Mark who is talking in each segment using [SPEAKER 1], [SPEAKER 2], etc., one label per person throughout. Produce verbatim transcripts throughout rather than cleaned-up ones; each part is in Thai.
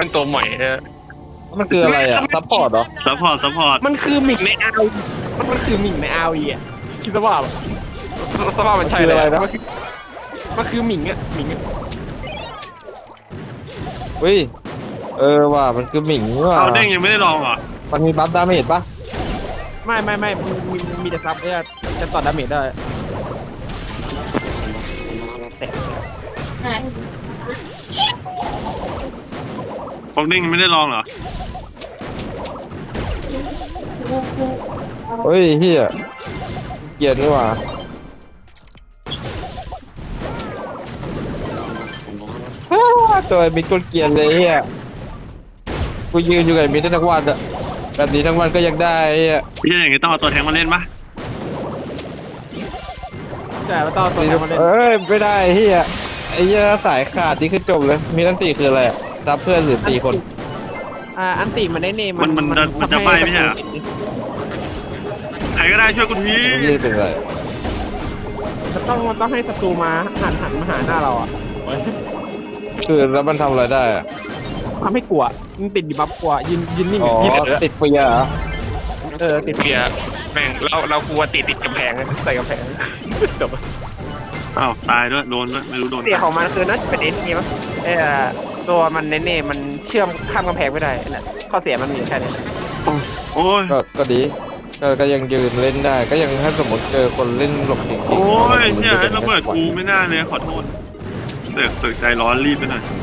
[SPEAKER 1] เป็นตัวใหม่ฮะ
[SPEAKER 2] มันคืออะไรอ่ะซัพพอร์ตเหรอ
[SPEAKER 3] ซัพพอร์ตซัพพอร์ต
[SPEAKER 1] มันคือหมิงในอาวีมันมันคือหมิงในอาวีอ่ะคิดว่าสภาพมันใช่เลยนะมันคือหมิงอ่ะหมิง
[SPEAKER 2] เฮ้ยเออว่ามันคือหมิงว่ะ
[SPEAKER 3] เอาเด้งยังไม่ได้ลองเหรอ
[SPEAKER 2] มันมีบัฟดาเมจปะ
[SPEAKER 1] ไม่ไม่ไม่มีมีแต่ซับเนี่ยจะต่อดาเมจได้
[SPEAKER 3] พวกเด้งยังไม่ได้ลองเหรอ
[SPEAKER 2] เฮ้ยเฮียเกลียดนี่ว่ะตัวไอ้มิดก็เกลียดเลยเฮียกูยืนอยู่กับไอ้มิดได้ทั้งวันอะแบบนี้ทั้งวันก็ยังได้เฮีย
[SPEAKER 3] พี่อย่างงี้ต้องเอาตัวแทงมาเล่นปะ
[SPEAKER 1] ใช่แล้วต้องตัวมาเล่น
[SPEAKER 2] เอ้ยไม่ได้เฮียไอ้เฮียสายขาดนี่คือจบเลยมีตั้งตีคืออะไรรับเพื่อนหรือตีคน
[SPEAKER 1] อ่าอันติมันได้เนม
[SPEAKER 3] มันมันมันจะไปไม่ใช่เหรอใครก็ได้ช่วยกูที
[SPEAKER 2] นี่เป็นไร
[SPEAKER 1] มันต้องมันต้องให้ศัตรูมาหันหันมาหาหน้าเราอ่ะ
[SPEAKER 2] คือแล้วมันทำอะไรได้อะ
[SPEAKER 1] ทำให้กลัวมันติดดิบัฟกลัวยืนยืนนิ่ง
[SPEAKER 2] อ๋อติดเปียเหรอ
[SPEAKER 1] เออติดเปียแม่งเราเรากลัวติดติดกำแพงใส่กำแพงจบ
[SPEAKER 3] อ้าวตายด้วยโดนด้วยไม่รู้โดน
[SPEAKER 1] เสียของมันคือน่าจะเป็นเอ็นงี้มั้งเออตัวมันเน่ๆมันเชื่อมข้ามกำแพงไม่ได้แหละข้อเสียมันมีแค่นี้
[SPEAKER 3] โอ้ย
[SPEAKER 2] ก็ก็ดีก็ก็ยังยืนเล่นได้ก็ยังถ้าสมมติเจอคนเล่นหลบเก่งๆ
[SPEAKER 3] โอ้ยเนี่ยระเบิดกูไม่น่าเลยขอโทษเสือกเสือกใจร้อนรีบไปหน่อย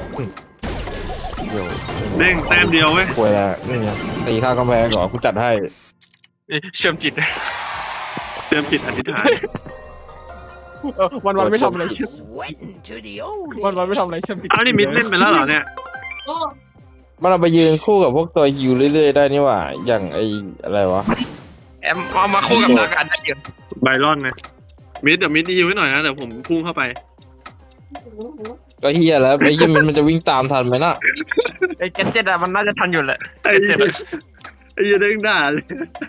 [SPEAKER 3] เด้งแต้มเดียวเว้ย
[SPEAKER 2] ป่วยแล้วนี่ไงตีข้ากำแพงก่อนกูจัดให้
[SPEAKER 1] เชื่อมจิต
[SPEAKER 3] เชื่อมจิตอธิษฐาน
[SPEAKER 1] วันวันไม่ทำอะไรเชื่อมวันวันไม่ทำอะไรเชื่อมจิต
[SPEAKER 3] อ้าวนี่มิดเล่นไปแล้วเหรอเนี่ย
[SPEAKER 2] มันเอาไปยืนคู่กับพวกตัวฮิวเรื่อยๆได้นี่หว่าอย่างไออะไรวะ
[SPEAKER 1] แอมเอามาคู่กับดากันได้เยอะ
[SPEAKER 3] ไบรอนไงมิดเดี๋ยวมิดฮิวให้หน่อยนะเดี๋ยวผมพุ่งเข้าไป
[SPEAKER 2] ก็เฮียแล้วไอ้เฮียมันมันจะวิ่งตามทันไหมน่ะ
[SPEAKER 1] ไอ้เจ็ดเจ็ดอะมันน่าจะทันอยู่แหละ
[SPEAKER 3] ไอ้เจ็ดไอ้เจ็ดเด้งด่าเลย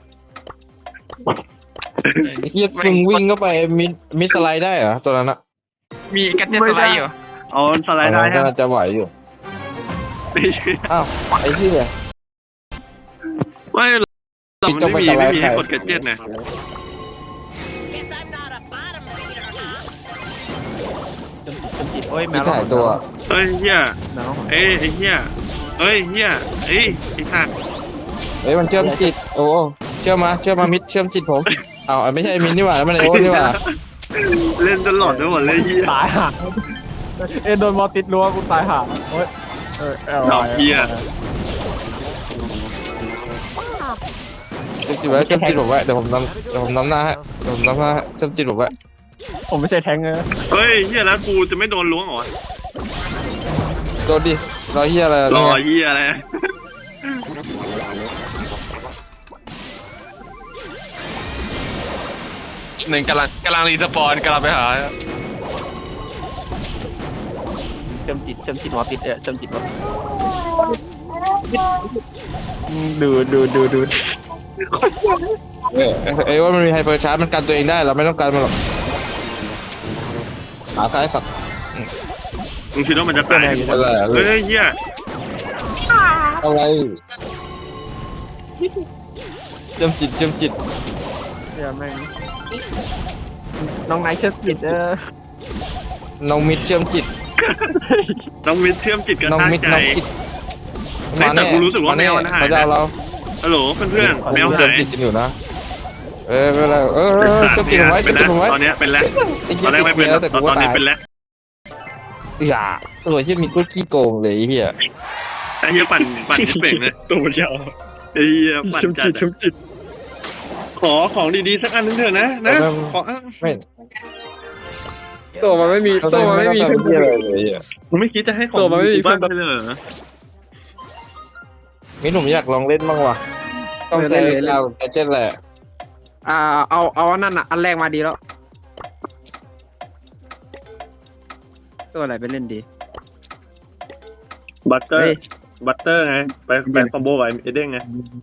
[SPEAKER 2] ไอ้เฮียมึงวิ่งเข้าไปมิดมิดสไลด์ได้เหรอตัวนั้นอะ
[SPEAKER 1] มีแกเจ็ตสไลด์อยู่
[SPEAKER 3] อ๋อสไลด์ได้
[SPEAKER 2] ก็จะไหวอยู่อ้าวไอ้เฮีย
[SPEAKER 3] ไม่เราไม่มีไม่มีให้กดแกเจ็ตนะ
[SPEAKER 1] โอ้ยแมว
[SPEAKER 2] ถ่ายตัว
[SPEAKER 3] เฮ้ยเฮียเอ้ยไอ้เฮียเฮ้ยเฮียเอ้ยไอ้สัตว์
[SPEAKER 2] เฮ้ยมันเชื่อมจิตโอ้เชื่อมาเชื่อมามิดเชื่อมจิตผมอ้าวไม่ใช่มิดนี่หว่าแล้วมันไอโอ้นี่หว่า
[SPEAKER 3] เล่นตลอดทั้งหมดเลยเฮีย
[SPEAKER 1] ตายห่าเอ็นโดนมอติดรั้วกูตายห่าโอ้ยเออ
[SPEAKER 3] ดอกเฮีย
[SPEAKER 2] เชื่อมจิตไว้เชื่อมจิตผมไว้เดี๋ยวผมนำเดี๋ยวผมนำหน้าให้เดี๋ยวผมนำหน้าเชื่อมจิตผมไว้
[SPEAKER 1] ผมไม่ใช่แทงเลย
[SPEAKER 3] เฮ้ยเฮียแล้วกูจะไม่โดนล้วงเหรอ
[SPEAKER 2] โดนดิรอเฮียอะไร
[SPEAKER 3] รอเฮียอะไร
[SPEAKER 1] หนึ่งกำลังกำลังรีสปอนกำลังไปหาเชื่อมจิตเชื่อมจิตหมอติดเออเชื่อมจิตหมอดูดูดูดู
[SPEAKER 2] เออไอ้ว่ามันมีไฮเปอร์ชาร์จมันกันตัวเองได้เราไม่ต้องการมันหรอกขาซ้ายสัตว์
[SPEAKER 3] มึงคิดว่ามันจะตายเฮ้ยเฮีย
[SPEAKER 2] อะไรเชื่อมจิตเชื่อมจิต
[SPEAKER 1] เดี๋ยวแม่งน้องไนท์เชื่อมจิตเออ
[SPEAKER 2] น้องมิดเชื่อมจิต
[SPEAKER 3] น้องมิดเชื่อมจิตกัน
[SPEAKER 2] น้องมิดน้องจิต
[SPEAKER 3] แต่กูรู้สึกว่าแมวมันหาย
[SPEAKER 2] ไปเรา
[SPEAKER 3] ฮัลโหลเพื่อนๆแมวหาย
[SPEAKER 2] เชื่อมจิตกันอยู่นะเออเป็นไรเออเชื่อมจิตไว้เชื่อมจิตไว้
[SPEAKER 3] ตอนนี้เป็นแล้วตอนแรกไม่เป็นแต่ตอนนี้เป็นแล้ว
[SPEAKER 2] อย่าตัวที่มีกุ้ยขี้โกงเลยเฮีย
[SPEAKER 3] ไอ้เฮียปั่นปั่นที่เป่งนะ
[SPEAKER 1] ตัวมันยาว
[SPEAKER 3] ไอ้เฮียปั่นจัดขอของดีๆสักอันนึงเถอะนะนะขอ
[SPEAKER 2] ไม่
[SPEAKER 1] ตัวมันไม่มีตัวมันไม่มีเพื่อน
[SPEAKER 2] เลย
[SPEAKER 3] มันไม่คิดจะให้ของตัวมันไม่มีเพื่อนเลยเหรอ
[SPEAKER 2] มิหนุ่มอยากลองเล่นบ้างวะต้องใช้เราแกเจ็ตแหละ
[SPEAKER 1] อ่าเอาเอานั่นอ่ะอันแรกมาดีแล้วตัวอะไรไปเล่นดี
[SPEAKER 3] บัตเตอร์บัตเตอร์ไงไปไปคอมโบไว้เอเด้งไง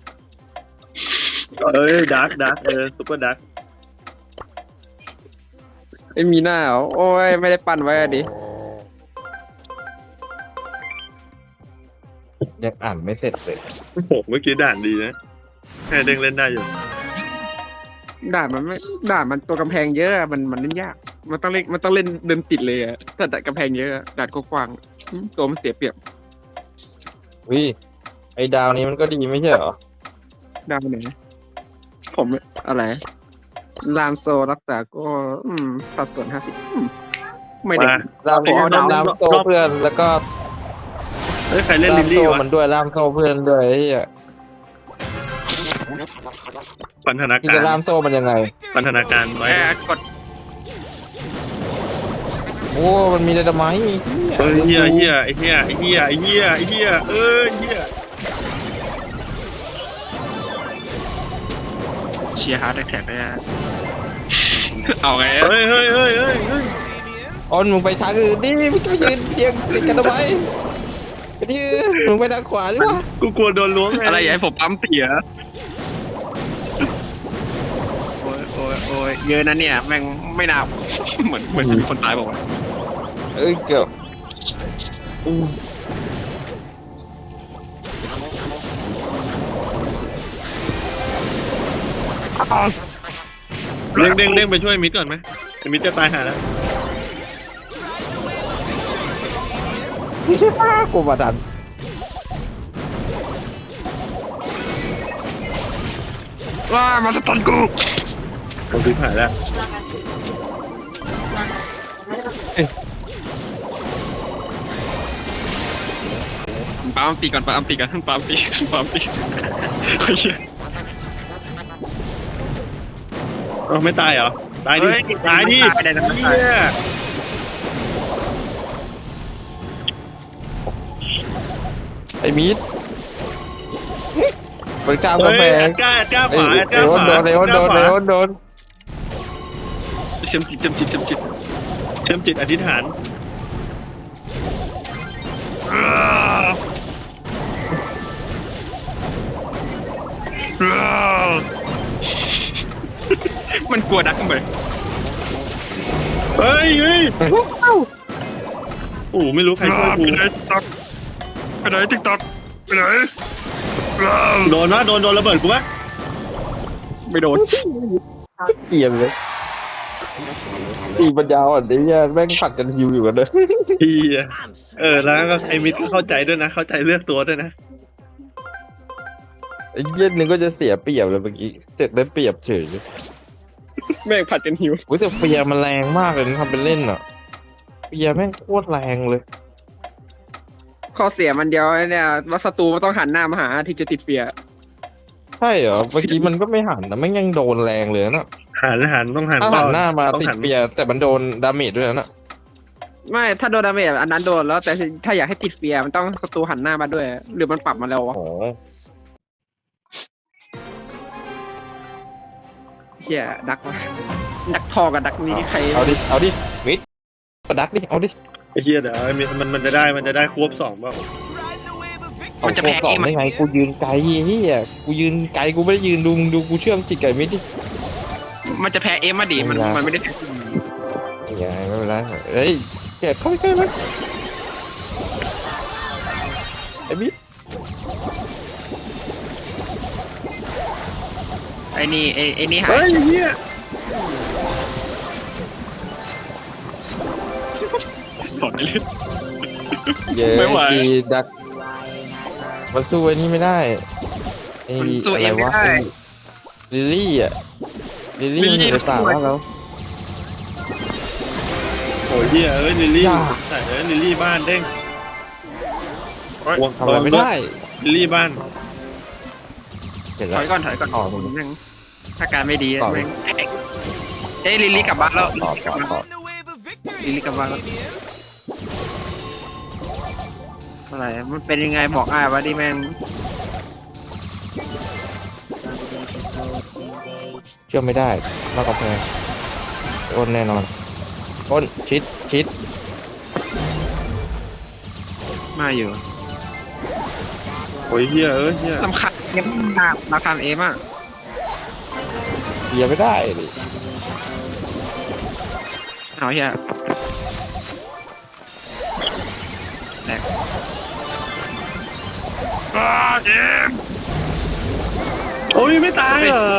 [SPEAKER 3] เอ้ยดาร์กดาร์กเออซุปเปอร์ดาร์ก
[SPEAKER 1] ไม่มีหน้าเหรอโอ้ยไม่ได้ปั่นไว้อะดิ
[SPEAKER 2] ยังอ่านไม่เสร็จเลย
[SPEAKER 3] โอ้โหเมื่อกี้ด่านดีนะแค่เด้งเล่นได้อยู่
[SPEAKER 1] ด่านมันไม่ด่านมันตัวกำแพงเยอะอะมันมันเล่นยากมันต้องเล่นมันต้องเล่นเดินติดเลยอะถ้าด่านกำแพงเยอะอะด่านกว้างๆอืมตัวมันเสียเปรียบ
[SPEAKER 2] วิไอ้ดาวนี้มันก็ดีไม่ใช่เหรอ
[SPEAKER 1] ดาวไหนผมอะไรลามโซรักษาก็อืมสัดส่วนห้าสิบไม่ได้
[SPEAKER 3] มา
[SPEAKER 2] ล่าม
[SPEAKER 1] ผมเอาดาว
[SPEAKER 2] ล่ามโซ่เพื่อนแล้วก็
[SPEAKER 3] เฮ้ยใครเล่น
[SPEAKER 2] ล่า
[SPEAKER 3] ลิ
[SPEAKER 2] ม
[SPEAKER 3] ลลี่
[SPEAKER 2] โซ่
[SPEAKER 3] วะ
[SPEAKER 2] มันด้วยล่ามโซ่เพื่อนด้วยไอ้เหี้ย
[SPEAKER 3] พันธนา
[SPEAKER 2] ที่
[SPEAKER 3] กา
[SPEAKER 2] จะ
[SPEAKER 3] ร
[SPEAKER 2] ล่ามโซ่มันยังไง
[SPEAKER 3] พันธนาการไว้
[SPEAKER 1] แอบกด
[SPEAKER 2] โอ้มันมีไดนาไมต์
[SPEAKER 3] เฮ้ยเฮียเฮียไอ้เฮียไอ้เฮียไอ้เฮียไอ้เฮียเออเฮีย
[SPEAKER 1] เชียร์ฮาร์ดแท็กได้อะเอาไง
[SPEAKER 3] เฮ้ยเฮ้ยเฮ้ยเฮ้ยเฮ้ย
[SPEAKER 2] ออนมึงไปทางอื่นดิมึงจะไปยืนเรียงติดกันทำไมไปดิมึงไปทางขวาดิวะ
[SPEAKER 3] กูกลัวโดนล้วงไง
[SPEAKER 1] อะไรอย่าให้ผมปั๊มเสียโอ้ยโอ้ยโอ้ยเยอะนะเนี่ยแม่งไม่น่าเหมือนเหมือนจะมีคนตายบอกว่าวะ
[SPEAKER 2] เอ้ยเกือบอู้
[SPEAKER 3] เด้งเด้งเด้งไปช่วยมิดก่อนไหมไอ้มิดจะตายหาแล้ว
[SPEAKER 2] ไม่ใช่ป้ากูมาดัน
[SPEAKER 1] ว้ามาสตันกู
[SPEAKER 3] ผมซื้อผ่านแล้ว
[SPEAKER 1] ปั๊มตีก่อนปั๊มตีกันปั๊มตีปั๊มตีโอ้ยเหี้ย
[SPEAKER 3] เอ้าไม่ตายเหรอตายดิ
[SPEAKER 1] เฮ้ย
[SPEAKER 3] ตายดิ
[SPEAKER 1] ตายได้นะ
[SPEAKER 3] เฮีย
[SPEAKER 2] ไอ้มีดมันกล้าม
[SPEAKER 3] เฮ้
[SPEAKER 2] กำแพ
[SPEAKER 3] ยแอง ดก้าแอดก้า
[SPEAKER 2] ไอ้
[SPEAKER 3] ฝาแอด
[SPEAKER 2] เอ
[SPEAKER 3] ก้า
[SPEAKER 2] ว
[SPEAKER 3] ฝา
[SPEAKER 2] โดนเอวโดนเอวโดน
[SPEAKER 1] เชื่อมจิตเชื่อมจิตเชื่อมจิต
[SPEAKER 3] เชื่อมจิตอธิษฐาน
[SPEAKER 1] มันกลัวดักมั้ย
[SPEAKER 3] เฮ้ยเฮ้ยโอ้ไม่รู้ใครช่วยกู
[SPEAKER 1] ไปไหนติ๊กต็อกไปไหนติ๊กต็อกไปไหน
[SPEAKER 3] โดนวะโดนโดนระเบิดกูปะ
[SPEAKER 1] ไม่โดน
[SPEAKER 2] เกลียดเลยตีปัญญาอ่อนไอ้เนี่ยแม่งผัดกันฮิวอยู่กันเลย
[SPEAKER 3] เฮียเออแล้วก็ไอ้มิดก็เข้าใจด้วยนะเข้าใจเลือกตัวด้วยนะ
[SPEAKER 2] ไอ้เย็นนึงก็จะเสียเปรียบเลยเมื่อกี้เสร็จได้เปรียบเฉย
[SPEAKER 1] แม่งผัดกันหิว
[SPEAKER 2] อุ้ยแต่เฟียร์มันแรงมากเลยนะทำเป็นเล่นอ่ะเฟียร์แม่งโคตรแรงเลย
[SPEAKER 1] ข้อเสียมันเดียวเนี่ยว่าศัตรูมันต้องหันหน้ามาหาที่จะติดเฟียร์
[SPEAKER 2] ใช่เหรอเมื่อกี้มันก็ไม่หันนะไม่งยังโดนแรงเลยนะ
[SPEAKER 3] หันหันต้องหัน
[SPEAKER 2] ถ้าหันหน้ามา
[SPEAKER 3] ต้อง
[SPEAKER 2] ติด
[SPEAKER 3] หัน
[SPEAKER 2] เฟียร์แต่มันโดนดาเมจด้วยนะ
[SPEAKER 1] ไม่ถ้าโดนดาเมจอันนั้นโดนแล้วแต่ถ้าอยากให้ติดเฟียร์มันต้องศัตรูหันหน้ามาด้วย หรือมันปรับมาแล้ววะ
[SPEAKER 2] โอ้
[SPEAKER 1] เฮียดักวะดักทอกับดักนี้ใคร
[SPEAKER 2] เอาดิเอาดิมิดดักดิเอาดิ
[SPEAKER 3] ไอ้เฮียเดี๋ยวไอ้มิดมันมันจะได้มันจะได้ควบสองเปล่า
[SPEAKER 1] มันจะแพ้
[SPEAKER 2] สอ
[SPEAKER 1] เอง งมัน
[SPEAKER 2] ได้ไงกูยืนไกลเฮียกูยืนไกลกูไม่ได้ยืนดูมึงดูกูเชื่อมจิตไก่มิดดิ
[SPEAKER 1] มันจะแพ้เอ็มมาดิมันมันไม่ได้
[SPEAKER 2] อย่าไม่เป็นไรเฮ้ยแกะเข้าไปใกล้ไหมไอ้มิด
[SPEAKER 1] ไอ้นี่ไอ้ไอ้นี่หา
[SPEAKER 3] เฮ้ย
[SPEAKER 1] ย
[SPEAKER 3] ไอ้เฮีย
[SPEAKER 1] สอนเลย
[SPEAKER 2] เย้
[SPEAKER 1] ไม่ไหว
[SPEAKER 2] กีดักมันสู้ไอ้นี่ไม่ได้ไอ้
[SPEAKER 1] มันสู้
[SPEAKER 2] อะ
[SPEAKER 1] เอ
[SPEAKER 2] ไรง
[SPEAKER 1] ไม่
[SPEAKER 2] วะ
[SPEAKER 1] ได้
[SPEAKER 2] ไอ้ลิลลี่อ่ะลิลลี่มันอยู่ในป่าแล้วแล้ว
[SPEAKER 3] โอ้ยเฮียเอ้ยลิลลี่
[SPEAKER 2] อย่า
[SPEAKER 3] แต่เอ้ยลิลลี่บ้านเด้ง
[SPEAKER 2] ทำอะไรไม่ได้
[SPEAKER 3] ลิลลี่บ้าน
[SPEAKER 2] เห็น
[SPEAKER 1] ถ
[SPEAKER 2] แล้ว
[SPEAKER 1] อยก่อนถอยก่อน
[SPEAKER 2] อ๋อ
[SPEAKER 1] แม่งถ้าการไม่ดี
[SPEAKER 2] ต่อ
[SPEAKER 1] แม่งเอ้ยลิลลี่กลับบ้านแล้ว
[SPEAKER 2] ต่อต่อต่อ
[SPEAKER 1] ลิลลี่กลับบ้านแล้วอะไรมันเป็นยังไงบอกอ้ายวะดิแม่ง
[SPEAKER 2] เชื่อไม่ได้นอกกำแพงอ้นแน่นอนอ้นชิดชิด
[SPEAKER 1] มาอยู่
[SPEAKER 3] โอ้ยเฮียเอ้ยเฮีย
[SPEAKER 1] สำคัญยังมากมาทำเอ็มอ่ะ
[SPEAKER 2] เบียร์ไม่ได้ดิ
[SPEAKER 1] เอาเฮียแหลก
[SPEAKER 3] อ้าเจมส์โอ้ยไม่ตายเหรอ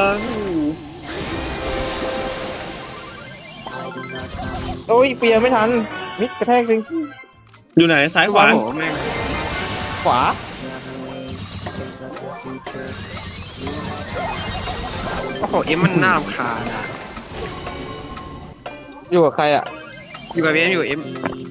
[SPEAKER 2] โอ้ยเปียร์ไม่ทันมิดกระแทกจริง
[SPEAKER 3] อยู่ไหนซ้ายขวา
[SPEAKER 1] โอ้โหแม่ง
[SPEAKER 2] ขวา
[SPEAKER 1] โอ้โหเอ็มมันน่ารำคาญอะ
[SPEAKER 2] อยู่กับใครอ่ะ
[SPEAKER 1] อยู่กับเอ็มอยู่เอ็ม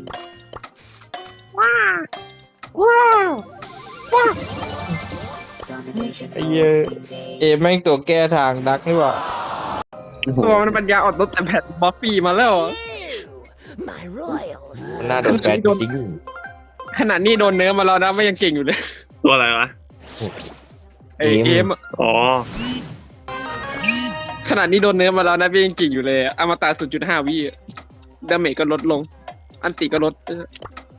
[SPEAKER 2] ไอ้เหี้ยเอแม่งตัวแก้ทางดักนี่หว่า
[SPEAKER 1] ตัวมันปัญญาอ่อนลดแต่แผ่นบอฟฟี่มาแล้วอะ
[SPEAKER 4] My royals.
[SPEAKER 2] มันน่าโดนแฟนจริง
[SPEAKER 1] ขนาดนี้โดนเนื้อมาแล้วนะไม่ยังเก่งอยู่เลย
[SPEAKER 3] ตัวอะไรวะ
[SPEAKER 1] ไอเอ็มอะ
[SPEAKER 3] อ๋อ
[SPEAKER 1] ขนาดนี้โดนเนื้อมาแล้วนะไม่ยังเก่งอยู่เลยอะอมตะ ศูนย์จุดห้า วิอะดาเมจก็ลดลง อันติก็ลดเออ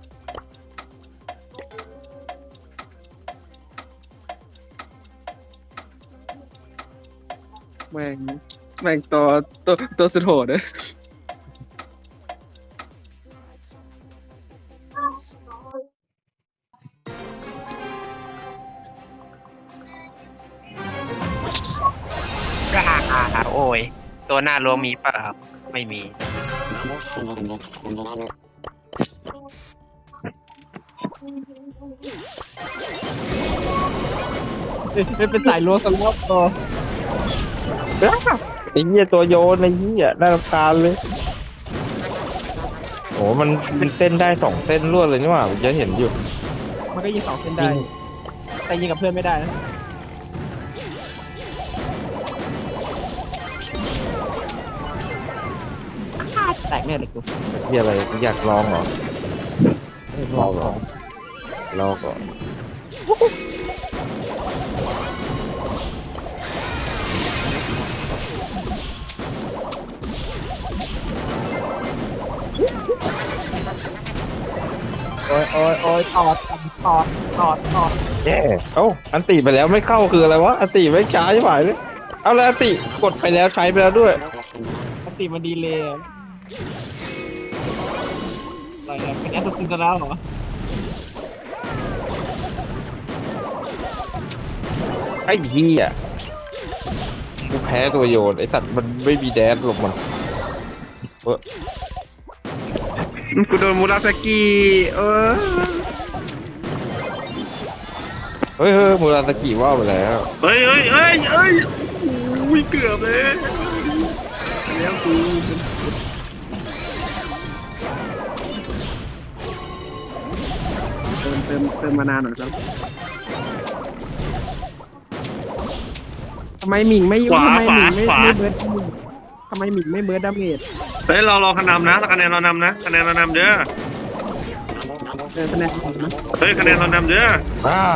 [SPEAKER 1] แม่งแม่งตัวตัวตัวสุดโหดเลย
[SPEAKER 5] กาโอ้ย ตัวหน้ารวมมีเปล่าไม่มี
[SPEAKER 2] เป็นสายล้วงสล็อตตัวไอ้เหี้ยตัวโยนไอ้เหี้ยน่ารำคาญเลยโอ้มันเป็นเส้นได้สองเส้นรวดเลยนี่หว่าผมจะเห็นอยู่
[SPEAKER 6] มันก็ยิงสองเส้นได้ แต่ยิงกับเพื่อนไม่ได้นะแตกแน่เลยกู
[SPEAKER 2] มีอะไรอยากลองเหรอลองเหรอลองก่อน
[SPEAKER 6] โอ้ยโอ้ยโอ้ยตอดตอดตอดตอด
[SPEAKER 2] แย่เอ้าอันติไปแล้วไม่เข้าคืออะไรวะอันติไม่ช้าใช่ไหมเลยเอาแล้วอันติกดไปแล้วใช้ไปแล้วด้วย
[SPEAKER 6] ปกติมันดีเลยอะไรเนี่ยเป็นแอสซัสซินแล้วเหรอ
[SPEAKER 2] ไอ้เหี้ยกูแพ้ตัวโยนไอ้สัตว์มันไม่มีแดนหลบมัน
[SPEAKER 1] กูโดนมูราสกิเออ
[SPEAKER 2] เฮ้ยเฮ้ยมูราสกิว่าไปแล้ว
[SPEAKER 3] เฮ้ยเฮ้ยเฮ้ยเฮ้ยอุ้ยเกือบเลย
[SPEAKER 1] แล้วกูเติมเติมเติมมานานหน่อยครับทำไมหมิงไม่
[SPEAKER 3] ขวา
[SPEAKER 1] ทำไม
[SPEAKER 3] ข
[SPEAKER 1] ห
[SPEAKER 3] วา
[SPEAKER 1] มิงไม่
[SPEAKER 3] ขวา
[SPEAKER 1] ไม่เบิร์ดทำไมหมิงไม่เบิร์ดดาเมจ
[SPEAKER 3] เฮ้ยเราเราคะแนนนำนะคะแนนเรานำนะคะแนนเรานำเด้อ
[SPEAKER 1] เออคะแนนของนะ
[SPEAKER 3] เฮ้ยคะแนนเรานำเด้อ
[SPEAKER 2] อ่า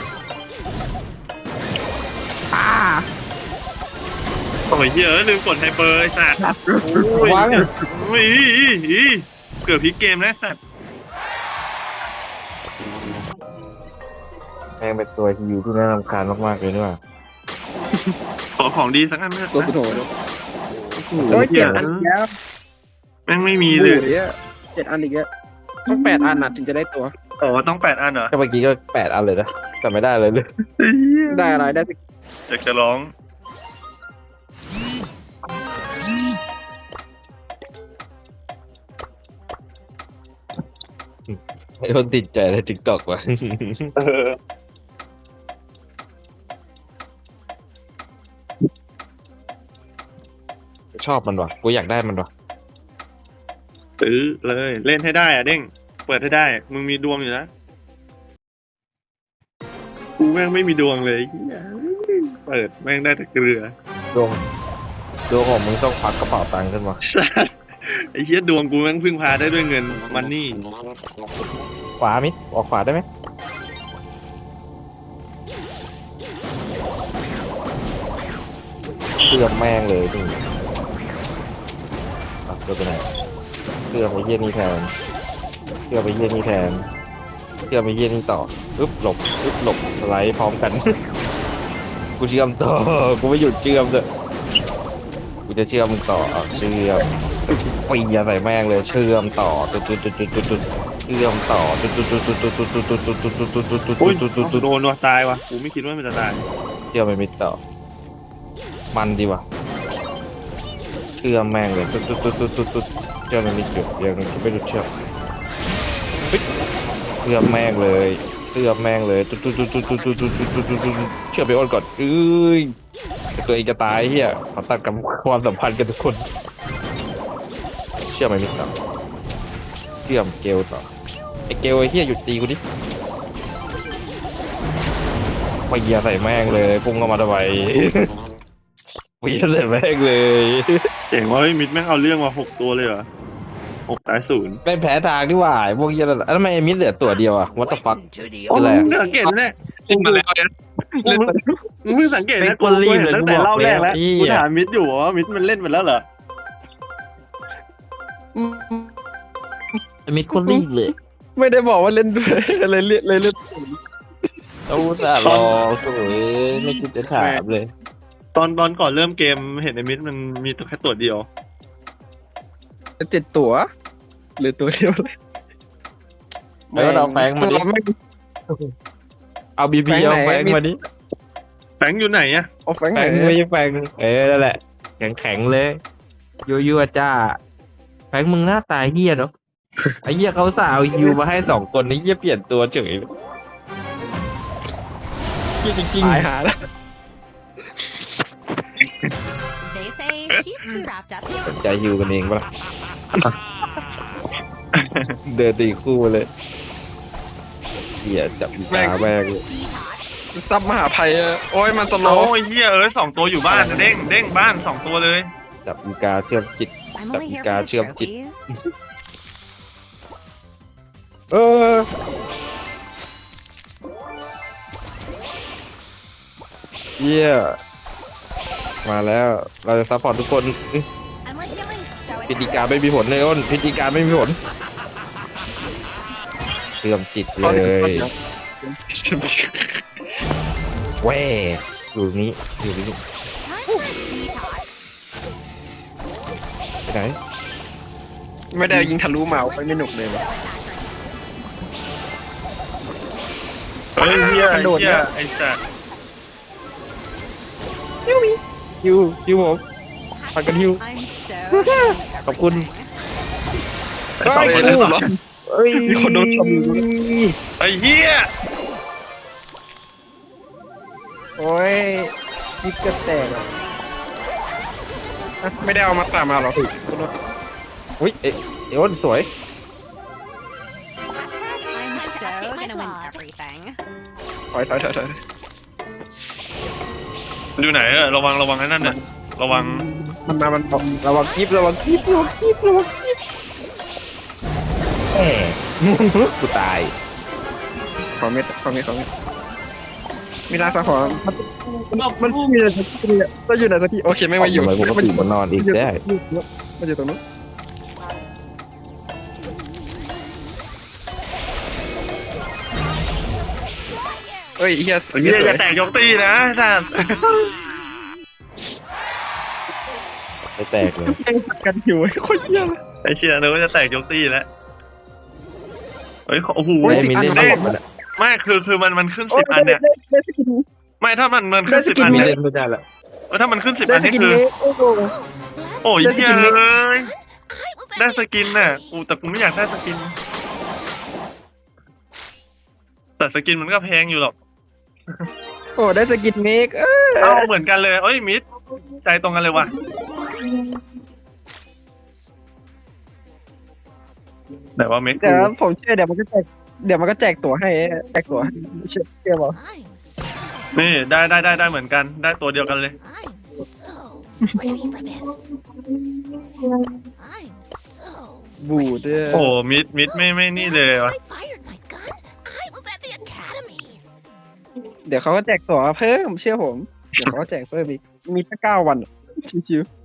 [SPEAKER 1] ป้า
[SPEAKER 3] โอ้ยเหี้ยอะลืมกดไฮเปอร์ไอ้สัตว์โอ้ย
[SPEAKER 2] วัง
[SPEAKER 3] โอ้ยอีอีอีเกือบพลิกเกมแล้วสัตว์
[SPEAKER 2] แม่งเป็นตัวที่อยู่ที่น่ารำคาญมากๆเลยนี่หว่า
[SPEAKER 3] ขอของดีสักอันเถอะ
[SPEAKER 1] ตัวสุดโหดเลย
[SPEAKER 3] โอ้
[SPEAKER 1] โอ้
[SPEAKER 3] ย
[SPEAKER 1] ย
[SPEAKER 3] เหี้
[SPEAKER 1] เจ็
[SPEAKER 3] ย
[SPEAKER 1] ดอันอีกแล้ว
[SPEAKER 3] แม่งไม่มี
[SPEAKER 1] มี
[SPEAKER 3] เล
[SPEAKER 1] เลย ยเจ็ดอันอีกแล้วต้องแปดอันน่ะถึงจะได้ตัว
[SPEAKER 3] อ๋อต้องแปดอันเหรอ
[SPEAKER 2] ก็เมื่อกี้ก็แปดอันเลยนะแต่ไม่ได้เลยเลย
[SPEAKER 1] ได้อะไรได้สิ
[SPEAKER 3] อยากจะร้อง
[SPEAKER 2] ไอ้คนติดใจในทิกตอกว่ะ
[SPEAKER 3] เออ
[SPEAKER 2] ชอบมันว่ะกูอยากได้มันว่ะ
[SPEAKER 3] ซื้อเลยเล่นให้ได้อะเด้งเปิดให้ได้มึงมีดวงอยู่นะกูแม่งไม่มีดวงเลยเหี้ยเปิดแม่งได้แต่เกลือ
[SPEAKER 2] ดวงดวงของมึงต้องควักกระเป๋าตังค์ขึ้นมา
[SPEAKER 3] สัสไอ้เหี้ยดวงกูแม่งพึ่งพาได้ด้วยเงินมันนี่
[SPEAKER 2] ขวามิดออกขวาได้ไหมเชื่อมแม่งเลยนี่อ่ะเชื่อไปไหนเชื่อมไปเยี่ยนี่แทนเชื่อมไปเยี่ยนี่แทนเชื่อมไปเยี่ยนี่ต่อปึ๊บหลบปึ๊บหลบสไลด์พร้อมกัน กูเชื่อมต่อกูไม่หยุดเชื่อมเลยกูจะเชื่อมมึงต่ออ่ะเชื่อมปียใส่แม่งเลยเชื่อมต่อจุดจุดจุดจุดจุดจุดเชื่ชื่อมต่อตุ๊ดตุ๊ดตุ๊ดตุ๊ดตุ๊ดตุ๊ดตุ๊ดตุ๊ดตุ๊ดตุ๊ดตุ๊ดตุ๊ด
[SPEAKER 3] อุ้ย
[SPEAKER 2] ตุ๊ดตุ๊ดตุ๊ด
[SPEAKER 3] โดนว่ะตายว่ะกูไม่คิดว่ามันจะตาย
[SPEAKER 2] เชื่อมไม่มิดต่อมันดีว่ะเชื่อมแม่งเลยตุ๊ดตุ๊ดตุ๊ดตุ๊ดตุ๊ดตุ๊ดเชื่อมไม่มิดอยู่เดี๋ยวนึงไม่รู้เชื่อมเชื่อมแม่งเลยเชื่อมแม่งเลยตุ๊ดตุ๊ดตุ๊ดตุ๊ดตุ๊ดตุ๊ดตุ๊ดตุ๊ดตุ๊ดตุ๊ดเชื่อมไปอ้นก่อนเอ้ยตัวเองจะตายเฮียขอตัดกับความสัมพันธ์กันทุกคนเชื่อมไม่มิดต่อเชื่อมเกลต่อไอเกลไอเฮียหยุดตีกูดิไปเยียใส่แม่งเลยพุ่งเข้ามาทำไมไปเยียใส่แม่งเลย
[SPEAKER 3] เจ๋งว่าเฮ้ยมิดแม่งเอาเรื่องมาหกตัวเลยเหรอหกตายศูนย์
[SPEAKER 2] เป็นแผลทางดีกว่าพวกเยียนั่นแล้วทำไมไอ้มิดเหลือตัวเดียวอะ what the fuck
[SPEAKER 4] Welcome to the
[SPEAKER 3] โอ้
[SPEAKER 2] อะไร
[SPEAKER 3] มึ
[SPEAKER 2] อะ
[SPEAKER 3] งสังเกตเนี่ย
[SPEAKER 1] เล่นมาแล้วเนี่ยเล่นมา
[SPEAKER 3] มึงเพิ่งสังเกต
[SPEAKER 2] เป็
[SPEAKER 3] นะ
[SPEAKER 2] นคนรีบเลย
[SPEAKER 3] ตั้งแต่
[SPEAKER 2] กูบอก
[SPEAKER 3] เล่าแรกแล้ว
[SPEAKER 2] แล้ว
[SPEAKER 3] กูถามมิดอยู่ว่ามิดมันเล่นไปแล้วเหรอ
[SPEAKER 2] ไอ้มิดคนรีบเลย
[SPEAKER 1] ไม่ได้บอกว่าเล่นด้วยเลยเล่นเลยเล่น
[SPEAKER 2] เอาซะรอโอ้ยไม่คิดจะถามเลย
[SPEAKER 3] ตอนตอนก่อนเริ่มเกมเห็นไอ้มิดมันมีตัวแค่ตัวเดียว
[SPEAKER 1] เจ็ดตัวหรือตัวเดียวเลย
[SPEAKER 2] แล้วเราแฟงมาดิ
[SPEAKER 1] ไม่
[SPEAKER 2] เอาบีบี
[SPEAKER 1] แฟง
[SPEAKER 2] เอา
[SPEAKER 1] ไหน
[SPEAKER 2] แฟงมาดิ
[SPEAKER 3] แฟงอยู่ไหนอะ
[SPEAKER 1] เอาแฟง
[SPEAKER 2] แฟ
[SPEAKER 1] ไหน
[SPEAKER 2] งไม่ใช่แฟงเออนั่นแหละแข็งแข็งๆเลยยั่วยั่วๆจ้าแฟงมึงหน้าตายเฮียเนาะไอ้เฮียเขาสาวฮิวมาให้สองคนไอ้เฮียเปลี่ยนตัวเฉยเฮียจริง
[SPEAKER 1] ตายหาแล้ว
[SPEAKER 7] They say she's too wrapped up.
[SPEAKER 2] ๆสนใจฮิวกันเองปะล่ะ เดินตีคู่เลยเฮียจับอีกาแม่งเลย
[SPEAKER 1] ซับมหาภัยอะโอ้ยมันสโล
[SPEAKER 3] โอ้
[SPEAKER 1] ว์
[SPEAKER 3] ยเฮียเอ้ยสองตัวอยู่บ้านนะเด้งเด้งบ้านสองตัวเลย
[SPEAKER 2] จับอีกาเชื่อมจิต
[SPEAKER 7] I'm
[SPEAKER 2] Tapi
[SPEAKER 7] only here
[SPEAKER 2] kah
[SPEAKER 7] for the
[SPEAKER 2] siap, Cik.
[SPEAKER 7] trophies.
[SPEAKER 2] เออเยี่ยมาแล้วเราจะซัพพอร์ตทุกคนอื้อ
[SPEAKER 7] I'm like feeling so
[SPEAKER 2] พิธีการไม่มีผลเลยอ้นพิธีการไม่มีผลเชื่อมจิตเลยแหวอยู่นี้อยู่นี้
[SPEAKER 7] Time for a detox.
[SPEAKER 2] ไปไหน
[SPEAKER 1] ไม่ได้ยิงทะลุเมาไปไม่หนุกเลยวะ
[SPEAKER 3] เฮ้ยเฮีย
[SPEAKER 1] กระโดด
[SPEAKER 3] เฮี
[SPEAKER 1] เนี่ย ย
[SPEAKER 3] ไอ้สัส
[SPEAKER 2] ฮิวฮิวผมพันกันฮิว
[SPEAKER 7] I'm so into
[SPEAKER 2] ขอบคุณ
[SPEAKER 7] everything.
[SPEAKER 3] ไอ้สองคนนั้นเหรอ
[SPEAKER 2] เอ้ย
[SPEAKER 1] มีคนโดนชมอยู่ด้วย
[SPEAKER 3] ไอ้เฮีย
[SPEAKER 1] โอ้ยยิงกระแตกอะอ่ะไม่ได้เอามาตามมาหรอก
[SPEAKER 2] อุ้ยเอ๊ะเอ้นสวย
[SPEAKER 7] I'm so gonna win everything.
[SPEAKER 1] ถอยถอยถอยถอย
[SPEAKER 3] มันอยู่ไหนอะระวังระวังไอ้นั่นน่ะระวัง
[SPEAKER 1] มันมามัน
[SPEAKER 2] ระวังคลิประวังคลิประวังคลิประวังคลิปแหมกูตาย
[SPEAKER 1] ขอเม็ดขอเม็ดขอเม็ดมีลาสะขอมันมันมันมีอะไรสักทีอะก็อยู่ไหนสักทีโอเคไม่มาอยู่
[SPEAKER 2] ทำไมกูก็ตื่นมานอนอีกได้
[SPEAKER 1] มันอยู่ตรงนู้นเฮ้ยเฮีย
[SPEAKER 3] ไอ้เฮียอย่าแตกยกตีนะสัส
[SPEAKER 2] ไม่แตกเลย
[SPEAKER 1] แม่งสักกันอยู่โคตรเฮียเลย
[SPEAKER 3] ไอ้เชียนึกว่าจะแตกยกตีแล้วเฮ้ยโอ้โห
[SPEAKER 2] ไอ้มินเล่นไม่หมดมันอะ
[SPEAKER 3] ไม่คือคือมันมันขึ้นสิบอันเนี่ย
[SPEAKER 1] ได้สกิน
[SPEAKER 3] ไม่ถ้ามันมันขึ้น
[SPEAKER 1] ได้ส
[SPEAKER 3] สิบ
[SPEAKER 1] กิน
[SPEAKER 3] อัน
[SPEAKER 2] มิน
[SPEAKER 3] เนี่ย
[SPEAKER 2] เล่นไม่ได้ละ
[SPEAKER 3] เออถ้ามันขึ้นสิบ
[SPEAKER 1] ได้
[SPEAKER 3] อัน
[SPEAKER 1] ส
[SPEAKER 3] นี่
[SPEAKER 1] กิน
[SPEAKER 3] คือ
[SPEAKER 1] เล็กโอ้โห
[SPEAKER 3] โอ้ย
[SPEAKER 1] ได้ส
[SPEAKER 3] เฮี
[SPEAKER 1] กิ
[SPEAKER 3] ย
[SPEAKER 1] นเล็ก
[SPEAKER 3] เอ้ยได้สกินน่ะกูแต่กูไม่อยากได้สกิน แต่สกินมันก็แพงอยู่หรอก
[SPEAKER 1] โอ้ได้สกินเมกเออ
[SPEAKER 3] เอาเหมือนกันเลยเอ้ยมิดใจตรงกันเลยว่ะแต่ว่าเมก
[SPEAKER 1] เดี๋ยว
[SPEAKER 3] กู
[SPEAKER 1] ผมเชื่อเดี๋ยวมันก็แจกเดี๋ยวมันก็แจกตั๋วให้แจกตั๋วให้เชื่อเชื่อบอก
[SPEAKER 4] I'm so
[SPEAKER 3] นี่ได้ได้ได้ได้เหมือนกันได้ตัวเดียวกันเลย
[SPEAKER 4] I'm so ready for this. I'm so
[SPEAKER 1] บูดเด้อ
[SPEAKER 3] โอ้มิดมิดไม่ไม่นี่เลยว่ะ
[SPEAKER 4] I fired my gun. I was at the academy.
[SPEAKER 1] เดี๋ยวเขาก็แจกตั๋วเพิ่มเชื่อผมเดี๋ยวเขาก็แจกเพิ่มอีกมีแค่เก้าวันอะชิวๆ